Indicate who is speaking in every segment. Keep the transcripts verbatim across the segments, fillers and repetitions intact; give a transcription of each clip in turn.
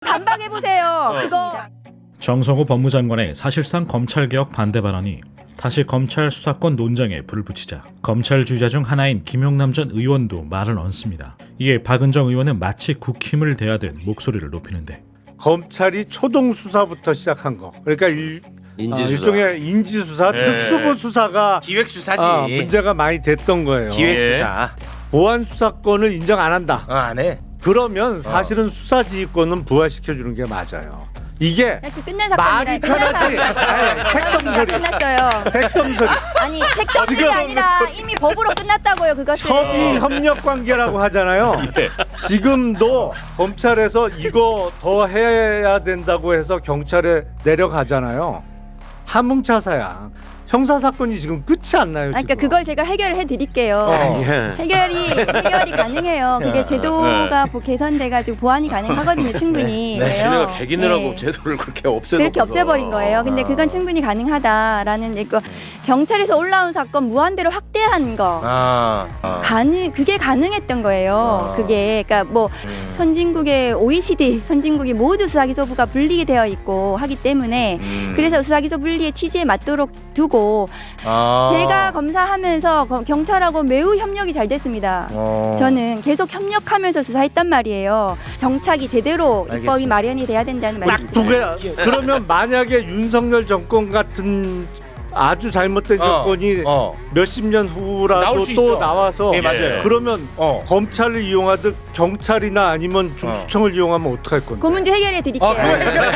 Speaker 1: 반박해보세요. 그거.
Speaker 2: 정성호 법무장관의 사실상 검찰개혁 반대 발언이 다시 검찰 수사권 논쟁에 불을 붙이자 검찰 주자 중 하나인 김용남 전 의원도 말을 얹습니다. 이에 박은정 의원은 마치 국힘을 대하듯 목소리를 높이는데
Speaker 3: 검찰이 초동 수사부터 시작한 거. 그러니까 일,
Speaker 4: 인지수사.
Speaker 3: 어, 일종의 인지수사,
Speaker 4: 예.
Speaker 3: 특수부 수사가
Speaker 4: 기획수사지.
Speaker 3: 아, 문제가 많이 됐던 거예요.
Speaker 4: 기획수사.
Speaker 3: 보안 수사권을 인정 안 한다.
Speaker 4: 어, 안 해.
Speaker 3: 그러면 사실은 수사지휘권은 부활시켜 주는 게 맞아요. 이게
Speaker 1: 그 끝난 사건이라
Speaker 3: 말이 편하지. 아니, 택덤소리.
Speaker 1: 끝났어요.
Speaker 3: 택덤소리.
Speaker 1: 아니 택덤소리
Speaker 3: 지금
Speaker 1: 아니라 이미 법으로 끝났다고요. 그것은.
Speaker 3: 협의 협력 관계라고 하잖아요. 지금도 검찰에서 이거 더 해야 된다고 해서 경찰에 내려가잖아요. 함흥차사야. 형사 사건이 지금 끝이 안 나요.
Speaker 1: 그러니까
Speaker 3: 지금.
Speaker 1: 그걸 제가 해결을 해드릴게요.
Speaker 3: 어.
Speaker 1: 해결이 해결이 가능해요. 그게 제도가 뭐 개선돼가지고 보완이 가능하거든요. 충분히.
Speaker 4: 네.
Speaker 1: 그래요.
Speaker 5: 지네가 개기느라고
Speaker 1: 네.
Speaker 5: 제도를 그렇게 없애놓고
Speaker 1: 그렇게 없애버린 거예요. 근데 그건 충분히 가능하다라는 이거 경찰에서 올라온 사건 무한대로 확대한 거
Speaker 4: 아. 아.
Speaker 1: 가능 그게 가능했던 거예요.
Speaker 4: 아.
Speaker 1: 그게 그러니까 뭐
Speaker 4: 음.
Speaker 1: 선진국의 오이시디 선진국이 모두 수사기소부가 분리게 되어 있고 하기 때문에
Speaker 4: 음.
Speaker 1: 그래서 수사기소 분리의 취지에 맞도록 두고
Speaker 4: 아.
Speaker 1: 제가 검사하면서 거- 경찰하고 매우 협력이 잘 됐습니다.
Speaker 4: 어.
Speaker 1: 저는 계속 협력하면서 수사했단 말이에요. 정착이 제대로 입법이
Speaker 4: 알겠습니다.
Speaker 1: 마련이 돼야 된다는 말입니다.
Speaker 3: 딱 두 개. 그러면 만약에 윤석열 정권 같은 아주 잘못된
Speaker 4: 어.
Speaker 3: 정권이
Speaker 4: 어.
Speaker 3: 몇십 년 후라도
Speaker 4: 나올 수
Speaker 3: 또
Speaker 4: 있어.
Speaker 3: 나와서
Speaker 4: 예, 맞아요.
Speaker 3: 그러면
Speaker 4: 어.
Speaker 3: 검찰을 이용하듯 경찰이나 아니면 중수청을 이용하면 어떡할 건데?
Speaker 1: 그 문제 해결해 드릴게요.
Speaker 4: 아, 그거 해결.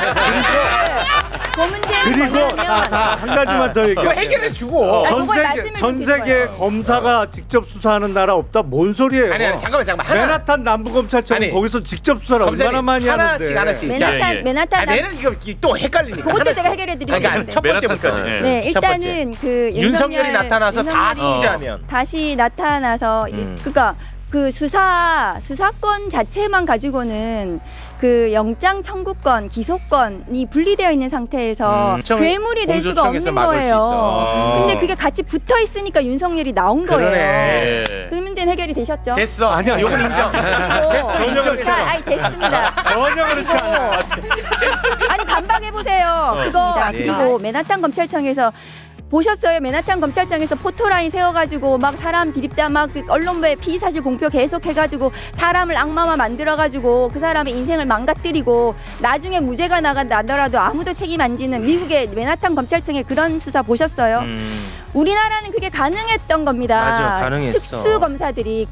Speaker 1: 그 문제는
Speaker 3: 그리고
Speaker 1: 뭐냐면
Speaker 3: 한 가지만 더 얘기해.
Speaker 4: 그거 해결해 주고.
Speaker 1: 아,
Speaker 3: 전
Speaker 1: 그걸
Speaker 3: 세계
Speaker 1: 말씀을
Speaker 3: 전
Speaker 1: 드리는
Speaker 3: 세계
Speaker 1: 거예요.
Speaker 3: 검사가 직접 수사하는 나라 없다. 뭔 소리예요?
Speaker 4: 아니 아니 잠깐만 잠깐만. 하나.
Speaker 3: 맨하탄 남부검찰청
Speaker 4: 아니,
Speaker 3: 거기서 직접 수사를
Speaker 4: 검사님,
Speaker 3: 얼마나 많이
Speaker 4: 하나씩,
Speaker 3: 하는데?
Speaker 4: 하나씩.
Speaker 1: 맨하탄
Speaker 5: 예, 예.
Speaker 1: 맨하탄
Speaker 4: 아,
Speaker 1: 남-
Speaker 4: 내는 이거 또 헷갈리니까.
Speaker 1: 그것도
Speaker 4: 하나씩.
Speaker 1: 제가 해결해 드릴게요.
Speaker 4: 그러니까 첫 번째부터.
Speaker 5: 맨하탄까지.
Speaker 1: 네,
Speaker 4: 첫 번째.
Speaker 1: 일단은 그
Speaker 4: 윤석열이
Speaker 1: 윤석열-
Speaker 4: 나타나서 다
Speaker 1: 윤석열이
Speaker 4: 통제하면.
Speaker 1: 다시 나타나서 이-
Speaker 4: 음.
Speaker 1: 그러니까 그 수사 수사권 자체만 가지고는 그 영장 청구권, 기소권이 분리되어 있는 상태에서
Speaker 4: 음, 청-
Speaker 1: 괴물이 될 수가
Speaker 4: 공조청에서
Speaker 1: 없는
Speaker 4: 막을 수
Speaker 1: 거예요.
Speaker 4: 있어.
Speaker 1: 근데 그게 같이 붙어 있으니까 윤석열이 나온 거예요.
Speaker 4: 그러네.
Speaker 5: 예.
Speaker 1: 그 문제는 해결이 되셨죠?
Speaker 4: 됐어.
Speaker 3: 아니야,
Speaker 4: 요건 인정.
Speaker 1: 그리고
Speaker 3: 전혀 그렇지
Speaker 1: 자,
Speaker 3: 않아.
Speaker 1: 아니 됐습니다.
Speaker 3: 전혀 그렇지 않아.
Speaker 1: 아니 반박해 보세요. 그거
Speaker 4: 네.
Speaker 1: 그리고 맨하탄 검찰청에서 보셨어요? 맨하탄 검찰청에서 포토라인 세워가지고 막 사람 디립다 막그 언론부에 피의사실 공표 계속 해가지고 사람을 악마화 만들어가지고 그 사람의 인생을 망가뜨리고 나중에 무죄가 나간다더라도 아무도 책임 안 지는 미국의 맨하탄 검찰청의 그런 수사 보셨어요?
Speaker 4: 음.
Speaker 1: 우리나라는 그게 가능했던 겁니다.
Speaker 4: 맞아, 가능했어.
Speaker 1: 특수 검사들이